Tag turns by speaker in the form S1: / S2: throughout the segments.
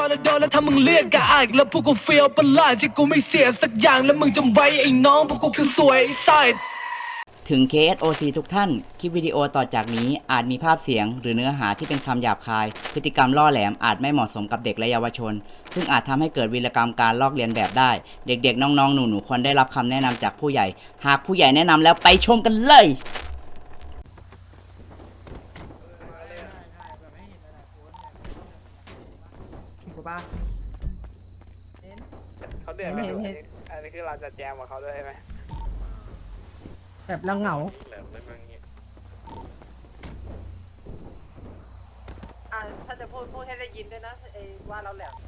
S1: แล้วโดนแล้วถ้ามึงเรียกกะอายแล้วพวกกูเฟียวประหลาดที่กูไม่เสียสักอย่างแล้วมึงจำไว้ไอ้น้องพวกกูคือสวยไอ้ไซด์
S2: ถึง KSOC ทุกท่าน คลิปวิดีโอต่อจากนี้อาจมีภาพเสียงหรือเนื้อหาที่เป็นคำหยาบคาย พฤติกรรมล่อแหลมอาจไม่เหมาะสมกับเด็กและเยาวชน ซึ่งอาจทำให้เกิดวีรกรรมการลอกเลียนแบบได้ เด็กๆ น้องๆ หนูๆ ควรได้รับคำแนะนำจากผู้ใหญ่ หากผู้ใหญ่แนะนำแล้วไปชมกันเลย
S3: ถูกปะ
S4: เขาเดือดกันอยู่อันนี้คือเราจะแจมกับเขาด้วยใช่ไหม
S3: แบบเราเหงา
S5: ถ้าจะพูดให้ได้ยินด้วยนะไอ้ว่าเราแหลม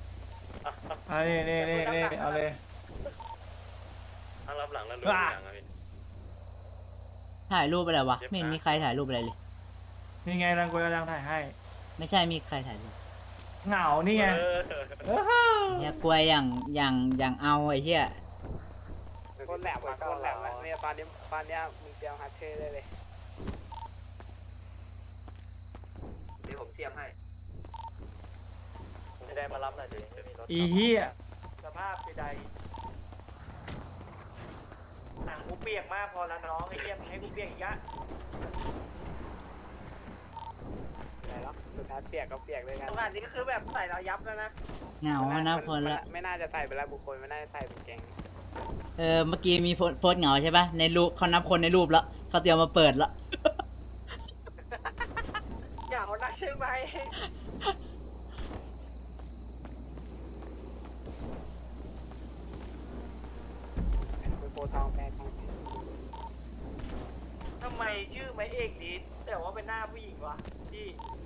S3: นี่เอาเลย
S6: ทั้งรับหลังแล้วรู้อย่างอะพี่
S2: ถ่ายรูปอะไรวะ ไม่เห็นมีใครถ่ายรูปอะไรเลย
S3: นี่ไงรังกวยกำลังถ่ายให้
S2: ไม่ใช่มีใครถ่ายรูป
S3: เหงานี่ไง
S2: เนี่ยกลัวอย่างเอาไอ้เหี้ย
S4: คนแหลมมาคนแหลมมาเนี่ยตอนนี้มึงเตรียมฮัทเทได้เลย
S6: เดี๋ยวผมเตรียมให้ไม่ได้มารับหน่อยดิจะมีรถ
S3: อีเหี้ย
S5: สภาพใดหนังกูเปียกมากพอแล้วน้องไอ้เหี้ยมึงให้กูเปียกอีกอะ
S4: ไหนแล้วสุดท้ายเปียกก็เปียกเลยกัน
S5: ตรงนี้ก็คือแบบใส่เรายับแล้วนะ
S2: เหงาอะนะคนละ
S4: ไม่น่าจะใส่ไปแล้วบุคคลไม่น่าจะใส่เป็นแกง
S2: เมื่อกี้มีโพสต์เหงาใช่ปะในรูปเขานับคนในรูปแล้วเขาเตรียมมาเปิดแล้ว
S5: อย่าเอานักใช่ไหม
S4: เป็นโปรทองแปลทอง
S5: ทำไมชื่อไม้เอกดีแต่ว่าเป็นหน้าผู้หญิงวะที่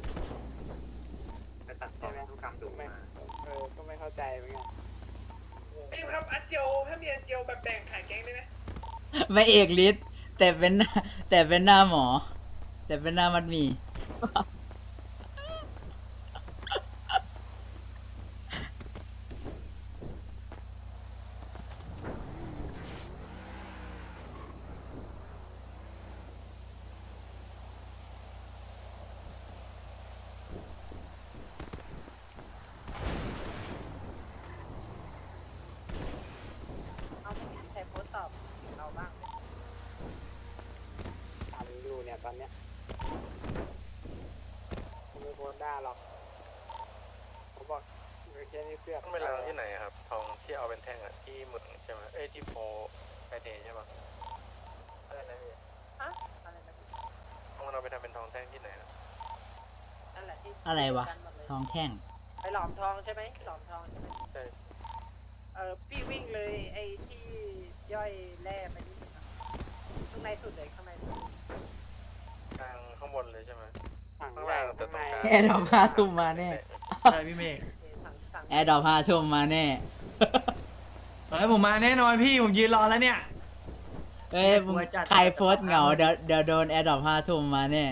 S6: ไปตัดต่อทุกคำดูมา
S4: ก็ไม่เข้าใจเหมือนกัน
S5: ไอ้ครับอันเจียวถ้ามีอันเจียวแบบแบ่งขายแก๊งได้ไหม
S2: ไม่เอกฤทธิ์แต่เป็นหน้าหมอ แต่เป็นหน้ามัดหมี
S5: เอาไม่มีใครโพสต์ตอบเราบ้างเลย
S4: ถามอยู่เนี่ยตอนเนี้ยไม่โพสต์ได้หรอกเขาบอกแค่นี้เสื้อ
S6: ต้องไปล้างที่ไหนครับ ทองที่เอาเป็นแท่งอะที่หมึกใช่ไหมที่โพไฟเดย์ใช่ปะอะไรนะพี่
S5: ฮะอะไรนะ
S6: ต้องมันเอาไปทำเป็นทองแท่งที่ไหนอะ
S5: นั่นแหละที่
S2: อะไรวะ
S5: กันหมดเลย
S2: ทองแท่ง
S5: ไปหลอมทองใช่ไหมหลอมทองใช่ไหม
S6: ใช่
S5: พี่วิ่งเลยไอ้ที่ย่อยแร่ไปนิดนึงอะข้างในสุดเลยข้างในสุด
S6: กลางข้างบนเลยใช่ไหม
S4: ถัง
S6: ข้าง
S4: ใหญ่
S6: ล่างแต่
S4: ข้าง
S6: ตร
S4: ใน
S6: งกลาง
S2: แอร์ดรอป5 ทุ่มมาแน่
S3: ใช่พี่เมฆ
S5: สั่ง
S2: แอร์ดรอป5 ทุ่มมาแน่
S3: ตอนนี้ผมมาแน่นอนพี่ผมยืนรอแล้วเนี่ย
S2: เอ้ยมึงใครโพสต์เหงาเดี๋ยวโดนแอร์ดรอป5 ทุ่มมาแน่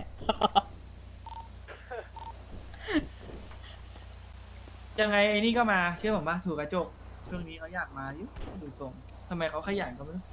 S3: ยังไงไอ้นี่ก็มาเชื่อผมปะถูกกระจกช่วงนี้เขาอยากมาอยู่ดูทรงทำไมเขาขยันก็ไม่รู้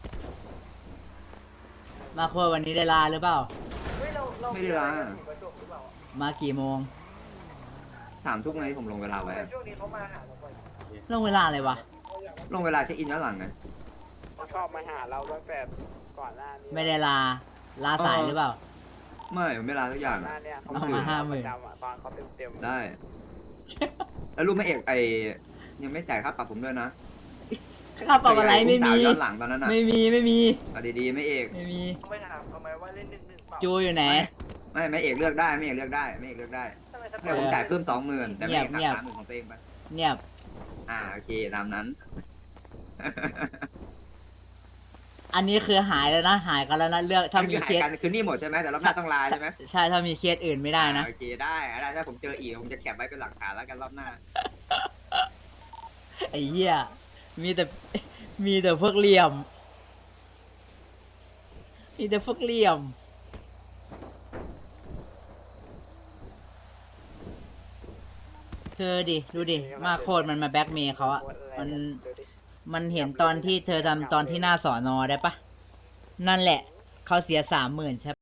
S2: มาโคตรวันนี้ได้ลาหรือเปล่า
S5: เฮ้ยเรา
S7: ไม่ได้ล้างอะ
S5: ถูกกระจกหรือเปล่าอะ
S2: มากี่โมง
S7: 3 ทุ่มไงผมลงเวลาไว้
S5: แต่
S7: อะ
S5: ช่วงนี้เขามาหาเราบ่อย
S2: ลงเวลาอะไรวะ
S7: ลงเวลาเช็คอินย้อนหลังไง
S4: เขาชอบมาหาเราตั้งแต่ก่อนหน้านี้
S2: ไม่ได้ลาสายหรือเปล่า
S7: ไม่ไม่ลาสักอย่าง
S4: หน้า
S7: อะ
S4: เนี่ยเขา
S2: เอามา50,000
S4: ประจำอะตอนเขาเต็ม
S7: ได้ แล้วรู้ไหมเอกยังไม่จ่ายค่าปรับผมด้วยนะ
S2: ค่าปรับอะไรไม่มี
S7: สาวย้อนหลังตอนนั้นอ่ะ
S2: ไม่มี
S7: เอาดีๆไม่เอก
S2: ไม่มี
S5: เขาไม่ถามเขาไหมว่าเล่น1-1เปล่า
S2: จูอยู่ไหน
S7: ไม่เอกเลือกได้ไม่เอกเลือกได้ไม่เอกเลือกได้
S5: ทำไมส
S7: เนี่ยผมจ่ายเพิ่ม20,000แต่ไม่เอก
S2: เงียบ
S7: หัก30,000ของตัวเองไป
S2: เงียบ
S7: โอเคตามนั้น
S2: อันนี้คือหายแล้วนะ หายกันแล้วนะเลือกถ้ามีเคส
S7: คือนี่หมดใช่ไหมแต่รอบหน้าต้องลาใช่ไหม
S2: ใช่ถ้ามีเคสอื่นไม่ได้นะ
S7: โอเคได้ถ้าผมเจออีกผมจะแคปไว้เป็นหลักฐานแล้วกันรอบหน้า
S2: ไอ้เหี้ยมีแต่พวกเหลี่ยม มีแต่พวกเหลี่ยม เธอดิ ดูดิ มาโคตรมันมาแบ็กเมย์เขาอะมันเห็นตอนที่เธอทำตอนที่หน้าสอนอได้ปะ นั่นแหละ เขาเสีย30,000ใช่